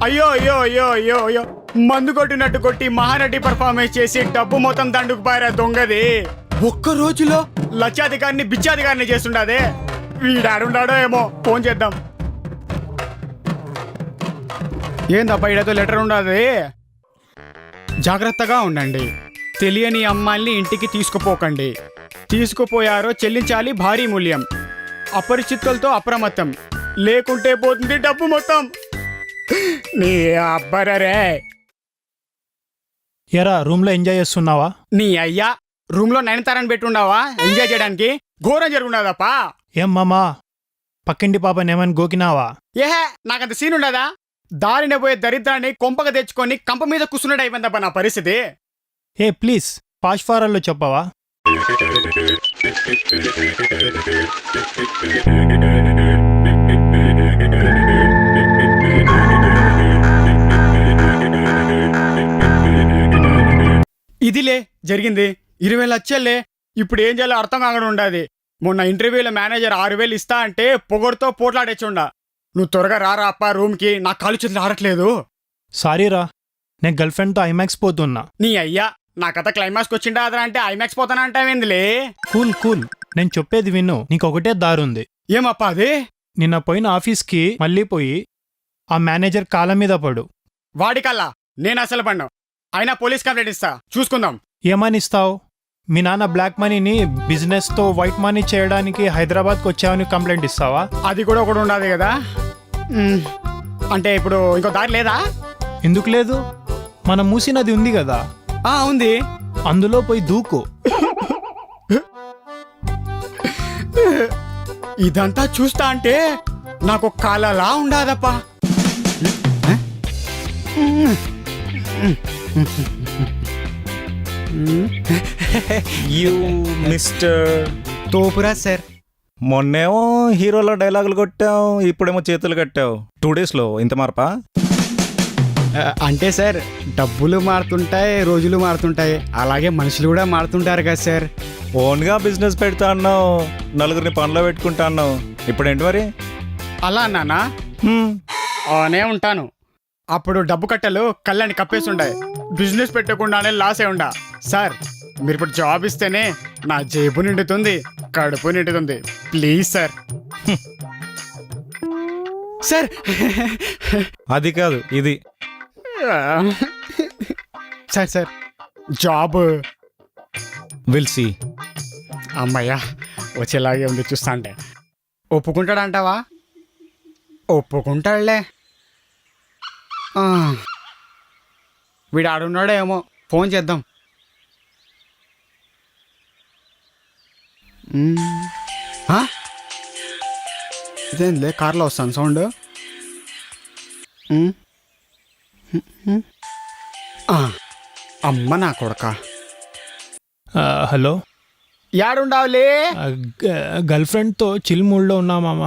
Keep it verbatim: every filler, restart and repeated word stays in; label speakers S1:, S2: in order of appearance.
S1: అయ్యో అయ్యో అయ్యో అయ్యో అయ్యో మందు కొట్టినట్టు కొట్టి మహానటి పర్ఫార్మెన్స్ చేసి డబ్బు మొత్తం దండుకు పారా దొంగది. ఒక్క రోజులో లక్షాధికారిని బిచ్చాధికారిని చేస్తుండదే. వీడాడుండాడో ఏమో, ఫోన్ చేద్దాం. ఏందబ్బా ఈడతో లెటర్ ఉండదు. జాగ్రత్తగా ఉండండి. తెలియని అమ్మాయిల్ని ఇంటికి తీసుకుపోకండి. తీసుకుపోయారో చెల్లించాలి భారీ మూల్యం. అపరిచితులతో అప్రమత్తం, లేకుంటే పోతుంది డబ్బు మొత్తం. నీ అబ్బరరే.
S2: ఎరా రూమ్ లో ఎంజాయ్ చేస్తున్నావా?
S1: నీ అయ్యా రూమ్ లో నయనతారని పెట్టుండావా ఎంజాయ్ చేయడానికి? ఘోరం జరుగుండదప్పా.
S2: ఏం మామా పక్కింటి పాపని ఏమని గోకినావా?
S1: ఏహే నాకంత సీన్ ఉండదా? దారిన పోయే దరిద్రాన్ని కొంపగా తెచ్చుకొని కంప మీద కూర్చున్నట్టు అయిపోయిందప్ప నా పరిస్థితి.
S2: ఏ ప్లీజ్ పాష్ ఫారల్లో చెప్పవా?
S1: ఇదిలే జరిగింది. ఇరవై లక్షలే. ఇప్పుడు ఏం చేయాలో అర్థం కాకుండా ఉండాది. మొన్న ఇంటర్వ్యూలో మేనేజర్ ఆరు వేలు ఇస్తా అంటే పొగడుతో పోట్లాడేచుండా. నువ్వు త్వరగా రారా అప్ప రూమ్కి, నా కాలు చేతులు ఆడట్లేదు.
S2: సారీరా, నేను గర్ల్ ఫ్రెండ్తో ఐమాక్స్ పోతున్నా.
S1: నీ అయ్యా నా కథ క్లైమాక్స్కి వచ్చిండా అదరా అంటే ఐమాక్స్ పోతానా అంటావేందిలే.
S2: కూల్ కూల్, నేను చెప్పేది విను. నీకు ఒకటే దారుంది.
S1: ఏమప్పా అది?
S2: నిన్న పోయిన ఆఫీస్కి మళ్ళీ పోయి ఆ మేనేజర్ కాళ్ళ మీద పడు.
S1: వాడికల్లా నేను అసలు పడ్డా. అయినా పోలీస్ కంప్లైంట్ ఇస్తా, చూసుకుందాం.
S2: ఏమని ఇస్తావు? మీ నాన్న బ్లాక్ మనీని బిజినెస్తో వైట్ మనీ చేయడానికి హైదరాబాద్కి వచ్చావని కంప్లైంట్ ఇస్తావా?
S1: అది కూడా ఒకటి ఉండదు కదా. అంటే ఇప్పుడు ఇంకో దారి లేదా?
S2: ఎందుకు లేదు? మనం మూసినది ఉంది కదా.
S1: ఆ ఉంది.
S2: అందులో పోయి దూకు.
S1: ఇదంతా చూస్తా అంటే నాకు కాలలా ఉండాదప్పా.
S3: యూ మిస్టర్
S1: తోపురా సార్.
S3: మొన్నేమో హీరోలో డైలాగులు కొట్టావు, ఇప్పుడేమో చేతులు కట్టావు. టూ డేస్లో ఇంత మార్పా?
S1: అంటే సార్ డబ్బులు మారుతుంటాయి, రోజులు మారుతుంటాయి, అలాగే మనుషులు కూడా మారుతుంటారు కదా సార్.
S3: ఓన్గా బిజినెస్ పెడతా అన్నావు, నలుగురిని పనిలో పెట్టుకుంటా అన్నావు. ఇప్పుడేంటి మరి?
S1: అలా అన్నానా? అనే ఉంటాను. అప్పుడు డబ్బు కట్టలు కళ్ళని కప్పేసి ఉండాయి. బిజినెస్ పెట్టకుండానే లాస్ అయి ఉండా. సార్ మీరు ఇప్పుడు జాబ్ ఇస్తేనే నా జేబు నిండుతుంది, కడుపు నిండుతుంది. Please sir. సార్
S3: అది కాదు ఇది.
S1: Sir sir job
S3: will see.
S1: అమ్మయ్యా వచ్చేలాగే ఉంది చూస్తా అంటే. ఒప్పుకుంటాడంటావా? ఒప్పుకుంటాడులే. వీడు ఆడున్నాడో ఏమో, ఫోన్ చేద్దాం. ఇదేంలే కార్లో వస్తాను సౌండ్. అమ్మ నా కొడక.
S2: హలో,
S1: యాడుండావులే?
S2: గర్ల్ ఫ్రెండ్తో చిల్ మూడ్లో ఉన్నా మామ.